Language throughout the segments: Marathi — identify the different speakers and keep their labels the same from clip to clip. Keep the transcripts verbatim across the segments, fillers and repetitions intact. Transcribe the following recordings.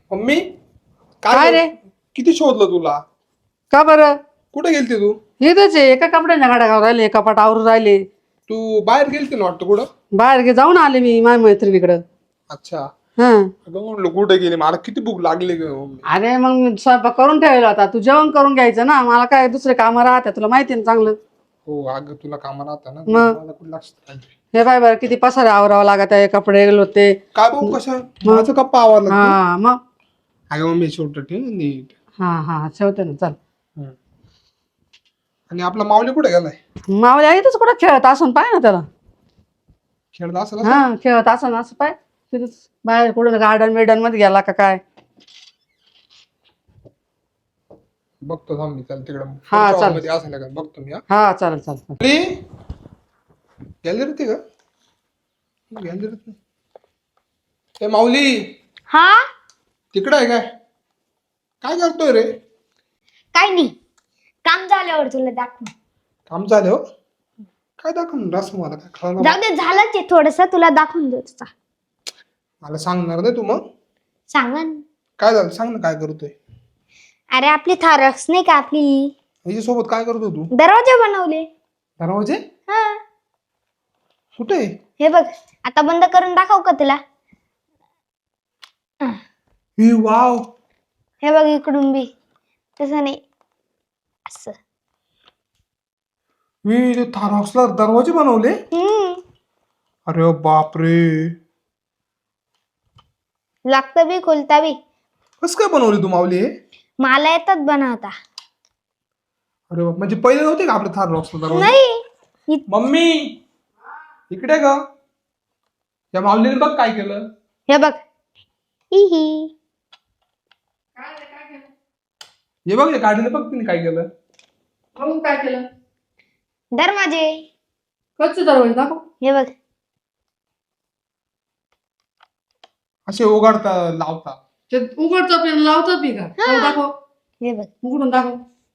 Speaker 1: मम्मी
Speaker 2: काय रे?
Speaker 1: किती शोधलं तुला?
Speaker 2: का बरं?
Speaker 1: कुठे गेलती तू?
Speaker 2: इथंच आहे, एका कपड्याच्या गाड्या घालून राहिले, कपाट आवरून राहिले.
Speaker 1: तू बाहेर गेलती ना वाटतं कुठं?
Speaker 2: बाहेर गे जाऊन आले मी माझ्या मैत्रिणीकडं.
Speaker 1: अच्छा.
Speaker 2: हा.
Speaker 1: अगं म्हणलं कुठे गेली, मला किती भूक लागली ग मम्मी.
Speaker 2: अरे मग मी स्वयंपाक करून ठेवला होता, तू जेवण करून घ्यायचं ना. मला काय दुसरे कामं राहते, तुला माहिती ना चांगलं.
Speaker 1: हो अगं तुला कामा राहता ना,
Speaker 2: मग?
Speaker 1: मला कुठं लक्षात राहते.
Speaker 2: हे बाय बरं किती पसारे आवरावं लागत आहे, कपडे होते.
Speaker 1: काय भाऊ कशा माझं गप्पा आवरला तू?
Speaker 2: हा मग.
Speaker 1: अगं मम्मी शेवट ठेव नीट.
Speaker 2: हा हा ठेवते ना, चल.
Speaker 1: हम्म. आणि आपला माऊली कुठे गेलाय?
Speaker 2: मावल्या इथंच कुठं खेळत असून पाय ना त्याला.
Speaker 1: खेळला असं
Speaker 2: हा खेळत असं असं पाय तिथंच बाहेर कुठं गार्डन बिर्डन मध्ये गेला का काय.
Speaker 1: बघतो थांब मी चल तिकडे
Speaker 2: हा, चाल.
Speaker 1: मध्ये असायला का बघतो मी.
Speaker 2: हा चालेल चालेल.
Speaker 1: गॅलरीत का? गॅलरीत नाही. ए माऊली
Speaker 3: हा
Speaker 1: तिकडे आहे काय? काय करतोय रे?
Speaker 3: काय नाही, काम झाल्यावर तुला दाखव.
Speaker 1: काम झालं हो? काय दाखवून रस मला काय कळलं
Speaker 3: जाऊ दे, झालंच आहे थोडस, तुला दाखवून देऊ तुझा.
Speaker 1: मला सांगणार नाही तू मग?
Speaker 3: सांगा ना.
Speaker 1: काय झालं सांग ना, काय करतोय?
Speaker 3: अरे आपली थारक्स नाही का आपली,
Speaker 1: हिच्या सोबत काय करतोय तू?
Speaker 3: दरवाजे बनवले.
Speaker 1: दरवाजे
Speaker 3: हा
Speaker 1: कुठे?
Speaker 3: हे बघ, आता बंद करून दाखव का तुला?
Speaker 1: ही वाव.
Speaker 3: हे बघ इकडून बी तसं नाही, असं.
Speaker 1: मी ते थारॉक्सला दरवाजे बनवले?
Speaker 3: हम्म
Speaker 1: अरे बापरे.
Speaker 3: लागतं बी खुलता बी.
Speaker 1: कस काय बनवले तू माऊली हे?
Speaker 3: मला येतात बनवता.
Speaker 1: अरे बाप, म्हणजे पहिले नव्हते का आपले थारॉक्सला दरवाजे?
Speaker 3: नाही इ-
Speaker 1: मम्मी इकडे ग. या माऊलीने बघ काय केलं.
Speaker 3: हे बघ, इही.
Speaker 1: हे बघ या गाडीने बघ तिने काय केलं.
Speaker 2: मग काय केलं?
Speaker 3: दरवाजे.
Speaker 2: कच्चे दरवाजे दाखव.
Speaker 3: हे बघ,
Speaker 1: असे उघडता लावता.
Speaker 2: ते उघडतं पी लावतं पी का? हो, दाखव.
Speaker 3: हे बघ.
Speaker 2: उघडून दाखव.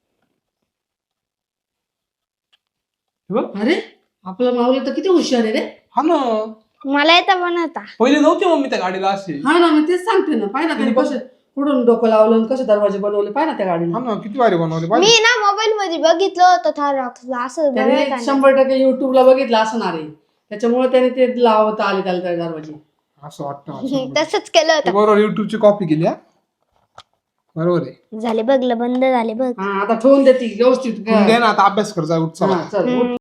Speaker 1: हे बघ.
Speaker 2: अरे आपलं माऊली तर किती हुशार आहे रे.
Speaker 1: हा ना,
Speaker 3: मला येतं बनवता.
Speaker 1: पहिले नव्हते मम्मी त्या गाडीला असे.
Speaker 2: हा ना, मी तेच सांगते ना. पाय ना त्याने कसे कुठून डोकं लावलं आणि कसे दरवाजे बनवले पाय ना त्या गाडीला.
Speaker 1: हा ना, किती भारी बनवले
Speaker 3: मी
Speaker 1: पाहिजे.
Speaker 3: ना मोबाईल मध्ये बघितलं होतं थारॉक्सला असं
Speaker 2: त्याने
Speaker 3: बनवताना.
Speaker 2: शंभर टक्के युट्यूबला बघितलं असणार आहे, त्याच्यामुळे त्याने ते लावता आले त्याला त्या दरवाजे.
Speaker 1: असं वाटतं मला.
Speaker 3: तसंच केलं
Speaker 1: तू
Speaker 3: होतं.
Speaker 1: बरोबर युट्यूबची कॉपी केली हा. बरोबर आहे.
Speaker 3: झाले बघ, बंद झाले बघ.
Speaker 2: हा आता ठेवून देते व्यवस्थित.
Speaker 1: तू दे ना आता, अभ्यास कर जा, उठ चला.
Speaker 2: हा, चल उठ.